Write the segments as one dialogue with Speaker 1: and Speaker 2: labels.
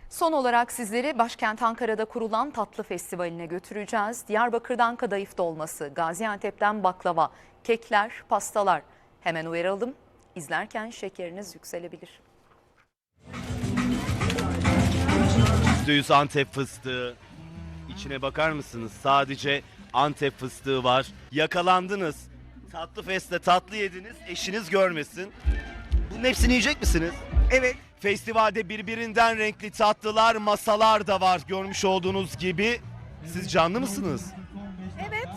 Speaker 1: Son olarak sizleri başkent Ankara'da kurulan tatlı festivaline götüreceğiz. Diyarbakır'dan kadayıf dolması, Gaziantep'ten baklava, kekler, pastalar. Hemen uyaralım, izlerken şekeriniz yükselebilir.
Speaker 2: %100 Antep fıstığı. İçine bakar mısınız? Sadece Antep fıstığı var. Yakalandınız. Tatlı feste tatlı yediniz. Eşiniz görmesin. Bunun hepsini yiyecek misiniz?
Speaker 3: Evet.
Speaker 2: Festivalde birbirinden renkli tatlılar, masalar da var görmüş olduğunuz gibi. Siz canlı mısınız?
Speaker 3: Evet.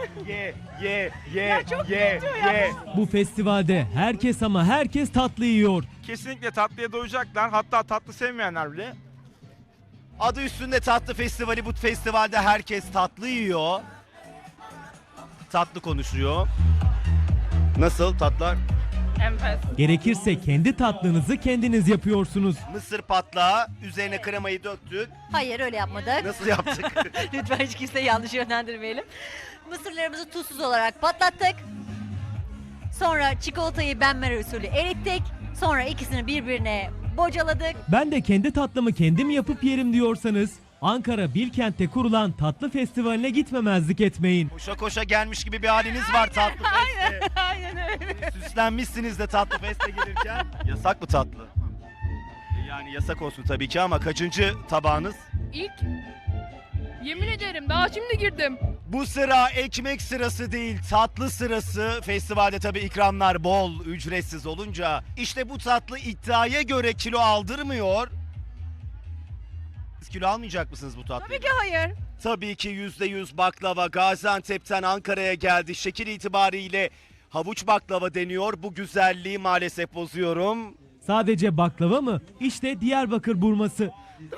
Speaker 2: Ye,
Speaker 3: çok
Speaker 2: ye.
Speaker 4: Bu festivalde herkes ama herkes tatlı yiyor.
Speaker 5: Kesinlikle tatlıya doyacaklar. Hatta tatlı sevmeyenler bile.
Speaker 2: Adı üstünde tatlı festivali. Bu festivalde herkes tatlı yiyor. Tatlı konuşuyor. Nasıl tatlar?
Speaker 3: Enfes.
Speaker 4: Gerekirse kendi tatlınızı kendiniz yapıyorsunuz.
Speaker 2: Mısır patlağı, üzerine kremayı döktük.
Speaker 6: Hayır öyle yapmadık.
Speaker 2: Nasıl yaptık?
Speaker 6: Lütfen hiç kimseyi yanlış yönlendirmeyelim. Mısırlarımızı tuzsuz olarak patlattık. Sonra çikolatayı benmari usulü erittik. Sonra ikisini birbirine bocaladık.
Speaker 4: Ben de kendi tatlımı kendim yapıp yerim diyorsanız Ankara Bilkent'te kurulan tatlı festivaline gitmemezlik etmeyin.
Speaker 2: Koşa koşa gelmiş gibi bir haliniz var tatlı feste.
Speaker 3: Aynen öyle.
Speaker 2: Süslenmişsiniz de tatlı feste gelirken. Yasak mı tatlı? Yani yasak olsun tabii ki ama kaçıncı tabağınız?
Speaker 7: İlk. Yemin ederim daha şimdi girdim.
Speaker 2: Bu sıra ekmek sırası değil, tatlı sırası. Festivalde tabii ikramlar bol, ücretsiz olunca. İşte bu tatlı iddiaya göre kilo aldırmıyor. Siz kilo almayacak mısınız bu tatlıyı?
Speaker 3: Tabii ki hayır.
Speaker 2: Tabii ki %100 baklava Gaziantep'ten Ankara'ya geldi. Şekil itibariyle havuç baklava deniyor. Bu güzelliği maalesef bozuyorum.
Speaker 4: Sadece baklava mı? İşte Diyarbakır burması.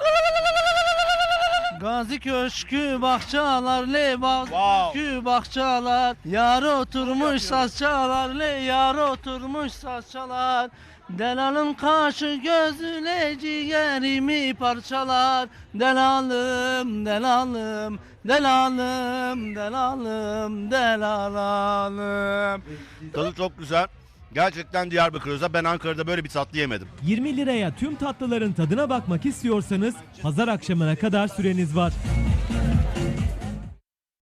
Speaker 8: Gazi Köşkü bahçalar le Gazi
Speaker 2: Wow.
Speaker 8: Köşkü bahçalar yar oturmuş saçalar le yar oturmuş saçalar Delalım kaşı gözüyle ciğerimi parçalar Delalım delalım delalım delalım delalım.
Speaker 2: Tadı çok güzel. Gerçekten Diyarbakır özel. Ben Ankara'da böyle bir tatlı yemedim.
Speaker 4: 20 liraya tüm tatlıların tadına bakmak istiyorsanız pazar akşamına kadar süreniz var.